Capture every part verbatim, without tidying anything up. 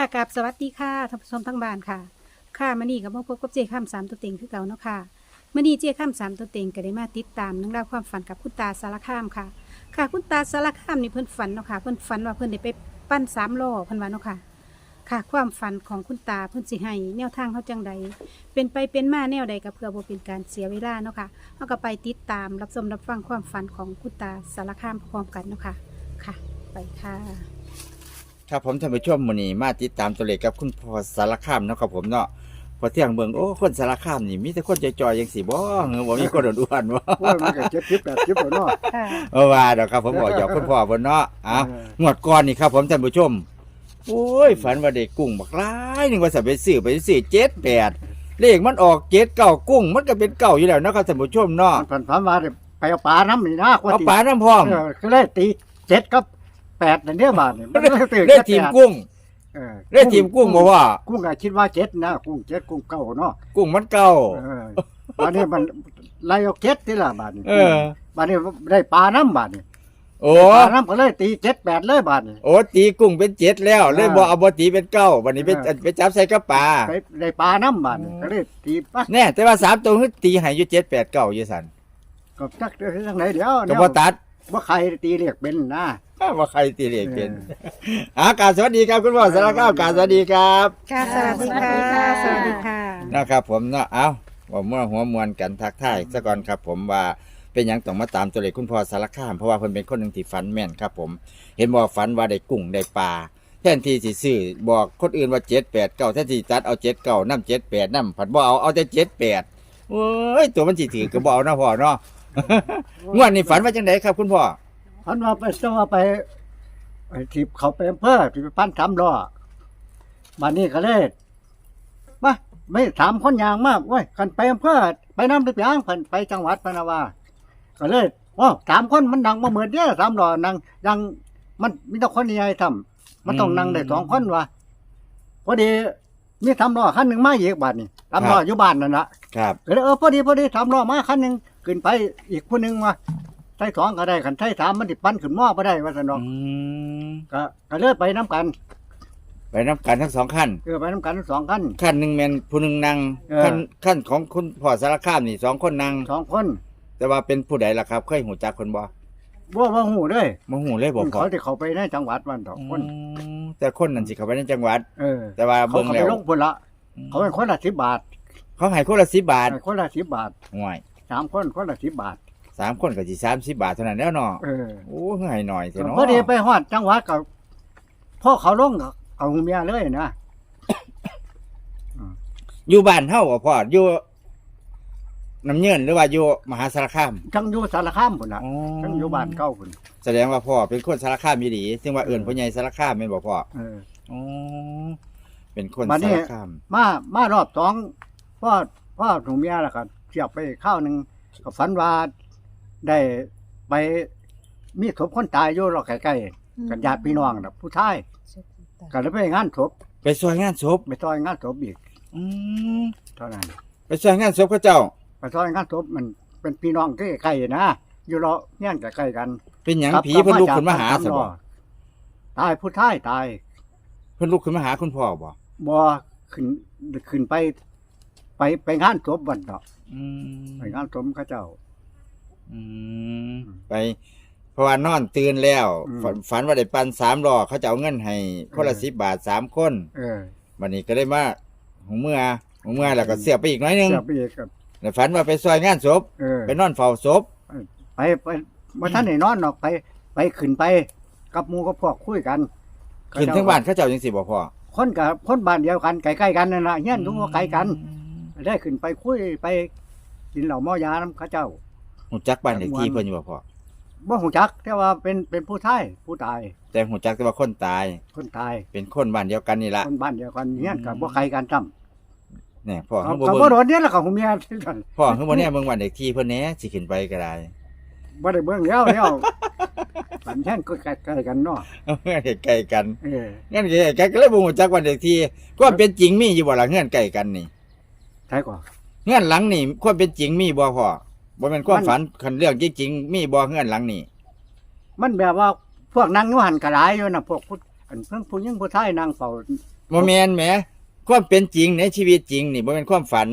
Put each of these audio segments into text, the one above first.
ค่ะกับสวัสดีค่ะท่านผู้ชมทั้งบ้านค่ะค่ะมื่อนี้ก็มาพบกับเจ้ข้ามสามตัวเต็งคือเก่าเนาะค่ะมื่อนี้เจ้ข้ามสามตัวเต็งก็ได้มาติดตามนังราวความฝันกับคุณตาสารคามค่ะ ค่ะคุณตาสารคามนี่เพิ่นฝันเนาะค่ะเพิ่นฝันว่าเพิ่นได้ไปปั้นสามล้อเพิ่นว่าเนาะค่ะค่ะความฝันของคุณตาเพิ่นสิให้แนวทางเขาจังใดเป็นไปเป็นมาแนวใดก็เพื่อบ่เป็นการเสียเวลาเนาะค่ะเฮาก็ไปติดตามรับชมรับฟังความฝันของคุณตาสารคามพร้อมกันเนาะค่ะค่ะไปค่ะครับผมท่านผู้ชมมื้อนี้มาติดตามตัวเลขกับคุณพ่อสารคามเนาะครับผมเนาะพอเที่ยงเบิ่งโอ้คนสารคามนี่มีแต่คนจอยๆจังซี่บ่เออบ่มีคนอ้วนๆบ่โอ้ยมันก็เจ็บจิบแบบจิบเนาะค่ะเออว่าดอกครับผมบอกหยอกคุณพ่อเพิ่นเนาะอ้าวงวดก่อนนี่ครับผมท่านผู้ชมโอ้ยฝันว่าได้กุ้งบักหลายนึงว่าสิไปซื้อไปซื้อเจ็ด แปดเลขมันออกเจ็ด เก้ากุ้งมันก็เป็นเก้าอยู่แล้วเนาะครับท่านผู้ชมเนาะมันฝันมาได้ไปเอาปลาน้ำนี่นะเอาปลาน้ำพร้อมเออก็เลยตีเจ็ดกับแปดนั่นเนี่ยบาทนี่มันเลยตื่นได้ทีมกุ้งเออได้ทีมกุ้งบ่ว่ากุ้งก็คิดว่าเจ็ดนะกุ้งเจ็ดกุ้งเก้าเนาะกุ้งมันเก้าเออบัดนี้มันไล่เอาเจ็ดนี่ล่ะบาทนี่เออบัดนี้ได้ปลาน้ำบาทนี่โอ้ปลาน้ำก็เลยตีเจ็ดแปดเลยบาทนี่โอ้ตีกุ้งเป็นเจ็ดแล้วเลยบ่เอาบ่ตีเป็นเก้าวันนี้ไปเออไปจับใส่กระป๋าได้ได้ปลาน้ำบาทนี่ก็เลยตีปะแน่แต่ว่าสามตัวคือตีให้อยู่เจ็ด แปด เก้าอยู่ซั่นก็จักเด้อทางไหนเดี๋ยวก็บ่ตัดว่าใครตีเรียกเป็นนะว่าใครตีเลขเป็นอากาศสวัสดีครับคุณพ่อสารคามกาศสวัสดีครับค่ะสวัสดีค่ะสวัสดีค่ะนะครับผมเนาะเอ้าว่ามั่วหัวมวนกันทักทายซะก่อนครับผมว่าเป็นหยังต้องมาตามตัวเลขคุณพ่อสารคามเพราะว่าเพิ่นเป็นคนหนึงที่ฝันแม่นครับผมเห็นบอกฝันว่าได้กุ้งได้ปลาแทนที่สิซื้อบอกคนอื่นว่าเจ็ด แปด เก้าแทนที่ตัดเอาเจ็ด เก้านำเจ็ด แปดนำผัดบ่เอาเอาแต่เจ็ด แปดโอ้ยตัวมันสิถือก็บ่เอานะพ่อเนาะ งวดนี้ฝันว่าจังไดครับคุณพ่อพันว่าไปต้องว่าไปไอ้ที่เขาไปอำเภอที่ไปปั้นสามล้อมานี่ก็เลยมาไม่ถามคนยางมากเว้ยกันไปอำเภอไปน้ำไปยางเพิ่นไปจังหวัดพะนาว่าก็เลยว้าวสามคนมันนั่งมาเหมือนเด้อสามล้อนั่งยังมันมีแต่คนใหญ่ทำมันต้องนั่งได้สองคนวะพอดีมีสามล้อคันหนึ่งมาอีกบาทนี่สามล้ออยู่บ้านนั่นละครับก็เลยเออพอดีพอดีสามล้อมาคันหนึ่งขึ้นไปอีกคนหนึ่งวะใช้สองก็ได้ขันใช้สามมันติปั้นขึ้นหม้อก็ได้ว่าสนองอืมก็ก็เลยไปน้ำกันไปนํกันทั้งสองขั้นเออไปน้ำกันทั้งสองกันขั้นหนึ่งแมนผู้หนึ่งนั่งเออขั้นขั้นของคุณพ่อสารคามนี่สองคนนั่งสองคนแต่ว่าเป็นผู้ใดล่ะครับ เคยหูจักคนบ่ว่าว่าหูเลยมาหูเลยบอกพ่อเขาที่เขาไปในจังหวัดวันสองคนอืมแต่คนนั่นสิเขาไปในจังหวัดเออแต่ว่าเขาเบิ่งเขาแล้ไปวลงพุ่นละเขาเป็นคนละสิบบาทเขาให้คนละสิบบาทคนละสิบบาทห่วยสามคนคนละสิบบาทสามคนก็สิสามสิบบาทเท่านั้นแล้วเนาะเออโอ้ให้หน่อยเถอะเนาะพอดีไปฮอดจังหวัดกับพ่อเขาลงกับเอาเมียเลยนะอยู่บ้านเฮาบ่พ่ออยู่น้ำเยินหรือว่าอยู่มหาสารคามจังอยู่สารคามพุ่นละอ๋อจังอยู่บ้านเก่าพุ่นแสดงว่าพ่อเป็นคนสารคามอีหลีซึ่งว่าเอิ้นพ่อใหญ่สารคามแม่นบ่พ่อเอออ๋อเป็นคนบัดนี้สารคามมามารอบสองพ่อพ่อถูกเมียแล้วก็เทียบไปข้าวหนึ่งก็ฝันว่าได้ไปมีศพคนตายอยู่รอใกล้ๆกันญาติพี่น้องนะผู้ชายก็เลยไปงานศพไปซอยงานศพไปซอยงานศพอีกอืมเท่านั้นไปซอยงานศพเขาเจ้าไปซอยงานศพมันเป็นพี่น้องใกล้ๆนะอยู่รอเงี้ยใกล้ๆกันเป็นหยังกลับผีเพิ่นลุกขึ้นมาหาจซะกบ่ตายผู้ชายตายเพิ่นลุกขึ้นมาหาคุณพ่อบ่บ่ขึ้นขึ้นไป ไปไปงานศพวันเนาะอืมไปงานศพเขาเจ้าอืมไปเพราะว่านอนตื่นแล้วอืมฝันฝันว่าได้ปั่นสามล้อเขาจะเอาเงินให้คนละเออสิบบาทสามคนเออวันนี้ก็ได้มาหูเมื่อหูเมื่อแล้วก็เสียบไปอีกหน้อยหนึงเสียไปอีกกับแล้วฝันว่าไปซอยงานศพเออไปนอนเฝ้าศพไปไปมาท่านไหนนอนหรอกไป ไปขึ้นไปกับหมูกับพวกคุยกันขึ้นทั้งบ้านเขาเจ้าจังสิบ่พ่อคนกับคนบ้านเดียวกันใกล้ๆกันนั่นแหละเงี้ยทุกคนใกล้กัน ได้ขึ้นไปคุยไปกินเหล้าเมายาน้ำเข้าเจ้าหูจักบ้านเลขที่เพิ่นอยู่บ่พ่อบ่หูจักแต่ว่าเป็นเป็นผู้ชายผู้ตายแต่หูจักแต่ว่าคนตายคนตายเป็นคนบ้านเดียวกันนี่ล่ะคนบ้านเดียวกันเงี้ยกับบ่ใครกันจำเนี่ยพ่อเขาเฮาบ่เขาเบิ่บ่งโดนเนี่ยแหละเขาหูเมียที่กันพ่อเฮาบ่แน่เบิ่งบ้านเลขที่เพิ่นแหน่สิขึ้นไปก็ได้บ่ได้เบิ่งแล้วแล้วมันแท่นก็ใกล้ๆกันเนาะเอาเงื่อนใกล้กันเออเงื่อนใกล้กันก็เลยบ่ฮู้จักบ้านเลขที่ความเป็นจริงมีอยู่บ่ล่ะเงื่อนใกล้กันนี่ใช่ก่อนเงื่อนหลังนี่ความเป็นจริงมีบ่พ่อบ่แม่นความฝันคันเรื่องจริงๆมีบ่เงื่อนหลังนี่มันแบบว่าพวกนางอยู่หันกระไรอยู่นะพวกผู้อันเพิ่งผู้หญิงผู้ชายนางเฝ้าบ่แม่นแหมความเป็นจริงในชีวิตจริงนี่บ่แม่นความฝัน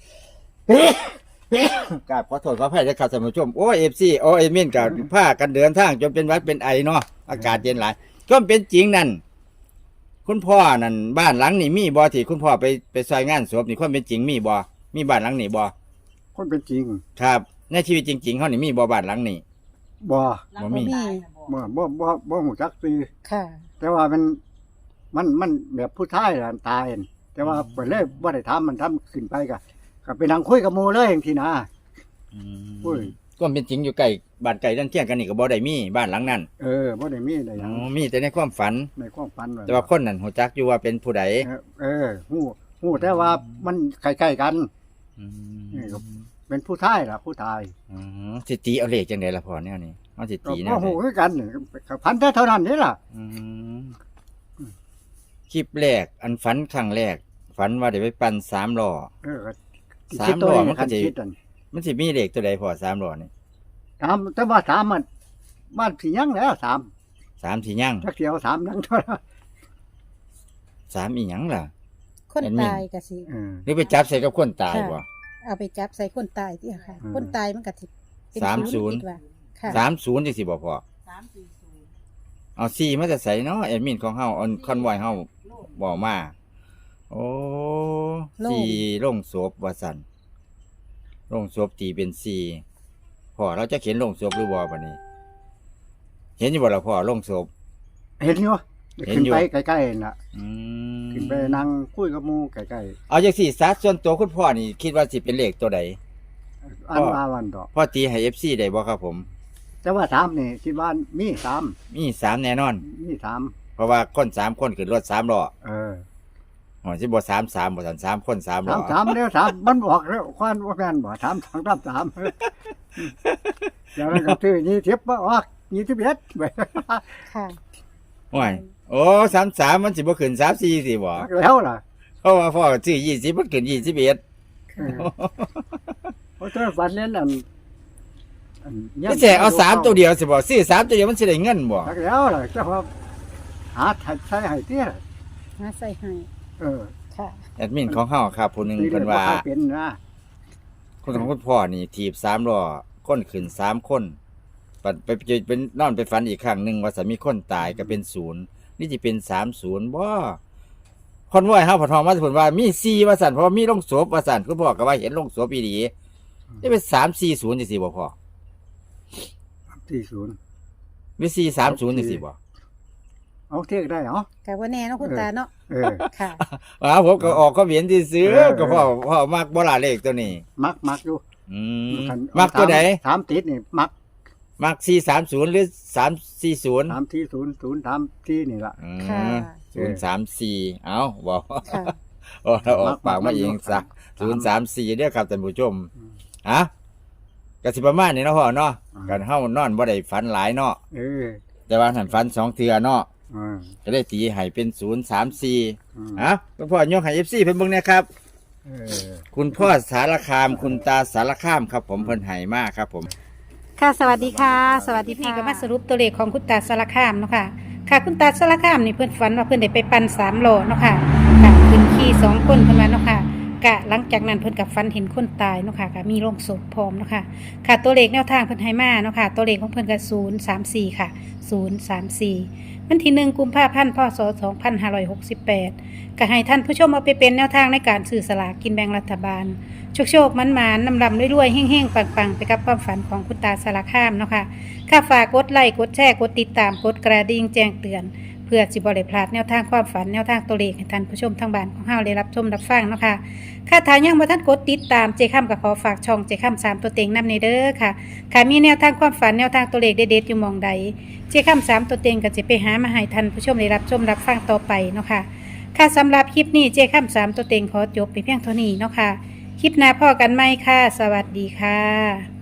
กราบขอโทษขออภัยนะครับท่านผู้ชมโอ้ เอฟ ซี โอ้เอมินกับพากันเดินทางจนเป็นหวัดเป็นไอเนาะอากาศเย็นหลายความเป็นจริงนั่นคุณพ่อนั่นบ้านหลังนี่มีบ่ที่คุณพ่อไปไปซอยงานศพนี่ความเป็นจริงมีบ่มีบ้านหลังนี่บ่คนเป็นจริงครับในชีวิตจริงๆเขานี่มีบ่บ้านหลังนี่บ่บ่มีบ่บ่บ่บ่ฮู้จักซื่อค่ะแต่ว่ามันมันมันแบบผู้ชายล่ะตายนั่นแต่ว่าไปเลยบ่ได้ทำมันทำขึ้นไปก็ก็ไปนั่งคุยกับหมู่เลยจังซี่นะอืมโอ้ยความเป็นจริงอยู่ใกล้บ้านไกลด้านเที่ยงกันนี่ก็บ่ได้มีบ้านหลังนั้นเออบ่ได้มีได้หอ๋ยัอง มีแต่ในความฝันในความฝันแต่ว่าคนนั้นฮู้จักอยู่ว่าเป็นผู้ใดเออเออฮู้ฮู้แต่ว่ามันใกล้ๆกันอืมนี่ครับ เป็นผู้ชายล่ะผู้ชายอ๋อสิตีเอาเลขจังได๋ล่ะพ่อแนวนี้มันสิก็ตีแนบ่วใดฮู้คือกันนี่ก็พันแต่เท่านั้นนี่ล่ะอืมคลิปแรกอันฝันครั้งแรก ฝันว่าได้ไปปั่นสามล้อเออก็สามล้อมันก็คันสิคิดนั่นมันสิมีเลขตัวใดพอสามล้อนี่สามแต่ว่าสามมันบ้านสิยังแล้วสามสามสิยังจักเดียวสามนังเท่านั้นสามอีหยังล่ะคนเห็นมั้ยตายก็สิเออหรือไปจับใส่กับคนตายบ่เอาไปจับใส่คนตายที่ค่ะอืมคนตายมันก็สิเป็นสามศูนย์คิดว่าค่ะสามศูนย์จังสิบ่พอเอาสี่มาจะใส่เนาะแอดมินของเฮาเอาคอนวอยเฮาบอกมา โอ้สี่ลงศพว่าซั่นลงศพตีเป็นสี่พ่อเราจะเขียนลงศพหรือบ่บัดนี้ เห็นอยู่บ่ล่ะพ่อลงศพเห็นอยู่เห็นขึ้นอยู่ไปใกล้ๆนั่นล่ะอืมขึ้นไปนั่งคุยกับหมู่ใกล้เอาจังสี่ซัดส่วนตัวคุณพ่อนี่คิดว่าสิเป็นเลขตัวใดๆอันว่าวันดอกพ่อตีให้ เอฟ ซี ได้บ่ครับผมแต่ว่าสามนี่คิดว่ามีสามมีสามแน่นอนมีสามเพราะว่าคนสามคนขึ้นรถสามล้อเอออ๋อสิบ่สามสามบ่ซั่นสามคนสามล้สาอมสามแล้วสามมันบอกแล้วควานว่าแม่นบ่สามสองสามสามเดี๋ยวนั้นก็ซื้อยี่สิบบ่ออกยี่สิบเอ็ดไปค่ะโอ้ยโอ้สามสามมันสิบ่ขึ้นสามสี่สิบ่แล้วล่ะเพราะว่าพ่อซื้อยี่สิบมันขึ้นยี่สิบเอ็ดเออเพราะเธอฝันเล่นอันอันนี่ยไม่ใช่เอาสามตัวเดียวสิบ่ซื้อสามตัวเดียวมันสิได้เงินบ่แล้วล่ะเจ้าว่าหาใช้ให้เตี้ยหาใส่ให้เออค่ะแอดมินของเฮาครับผู้หนึงเพิ่นว่าตีเป็นนะคนของคุณพ่อนี่ถีบสามล้อคนขึ้นสามคนปัดไปไปเป็นนอนไปฝันอีกครั้งหนึ่งว่าสามีคนตายก็เป็นศูนย์นี่จะเป็นสามศูนย์บ่คนว่าเฮาพอทองมาผลว่ามีสี่ว่าสั่นเพราะว่ามีลงศพว่าสั่นคุณพ่อก็ว่าเห็นลงศพอีหลีนี่เป็นสามสี่ศูนย์จังซี่บ่พ่อสี่ศูนย์มีสี่สามศูนย์จังซี่บ่เอาเทียกได้เหรอก็ว่าแน่เนาะคุณตาเนาะเออค่ะอ้าวผมก็ออกก็เห็นที่ซื้อเออก็พ่อพ่อมักบ่ล่ะเลขตัวนี้มักมักอยู่อืมคันมักตัวไหนถามติดนี่มักมักสี่สามศูนย์หรือสามสี่ศูนย์ถามที่ศูนย์ศูนย์ถามที่นี่ล่ะค่ะศูนย์สามสี่เอ้าบอกค่ะโอ้เราออกปากมาเองมักซะมักศูนย์สามสี่เด้อครับท่านผู้ชมอืมฮะกสิประมาณนี้เนาะพ่อเนาะอืมกันเฮานอนบ่ได้ฝันหลายเนาะเออแต่ว่าหันฝันสองเทื่อเนาะเออก็ได้ตีให้เป็นศูนย์สามสี่อืมฮะคุณพ่อยกให้ เอฟ ซี เพิ่นเบิ่งแหนะครับเออคุณพ่อสารคามคุณตาสารคามครับ ผมเพิ่นให้มากครับ ผมค่ะสวัสดีค่ะ สวัสดีพี่ก็มาสรุปตัวเลขของคุณตาสารคามเนาะค่ะ ค่ะคุณตาสารคามนี่เพิ่นฝันว่าเพิ่นได้ไปปั่นสามโลเนาะค่ะค่ะขึ้นขี่สองคนเพิ่นมาเนาะค่ะกะหลังจากนั้นเพิ่นกับฝันเห็นคนตายเนาะค่ะก็มีโรงศพพร้อมเนาะค่ะค่ะตัวเลขแนวทางเพิ่นให้มาเนาะค่ะตัวเลขของเพิ่นก็ศูนย์สามสี่ค่ะศูนย์สามสี่วันที่หนึ่งกุมภาพันธ์พศสองพันห้าร้อยหกสิบแปดก็ให้ท่านผู้ชมเอาไปเป็นแนวทางในการซื้อสลากกินแบ่งรัฐบาล โชคโชคมันมานนำลำรวยๆเฮ่งๆ ปังๆ ไปกับความฝันของคุณตาสารคามเนาะค่ะค่าฝากกดไลค์กดแชร์กดติดตามกดกระดิ่งแจ้งเตือน เพื่อสิบ่ได้พลาดแนวทางความฝันแนวทางตัวเลขให้ท่านผู้ชมทางบ้านของเฮาได้รับชมรับฟังเนาะค่ะค่าทางยังบ่ทันกดติดตามเจค่ำก็ขอฝากช่องเจค่ำสามตัวเต็งนำในเด้อค่ะค่ะมีแนวทางความฝันแนวทางตัวเลขเด็ดๆอยู่หม่องใดเจค่ำสามตัวเต็งก็จะไปหามาให้ท่านผู้ชมได้รับชมรับฟังต่อไปเนาะค่ะค่ะสำหรับคลิปนี้เจค่ำสามตัวเต็งขอจบไปเพียงเท่านี้เนาะค่ะ คลิปหน้าพ่อกันไหมค่ะ สวัสดีค่ะ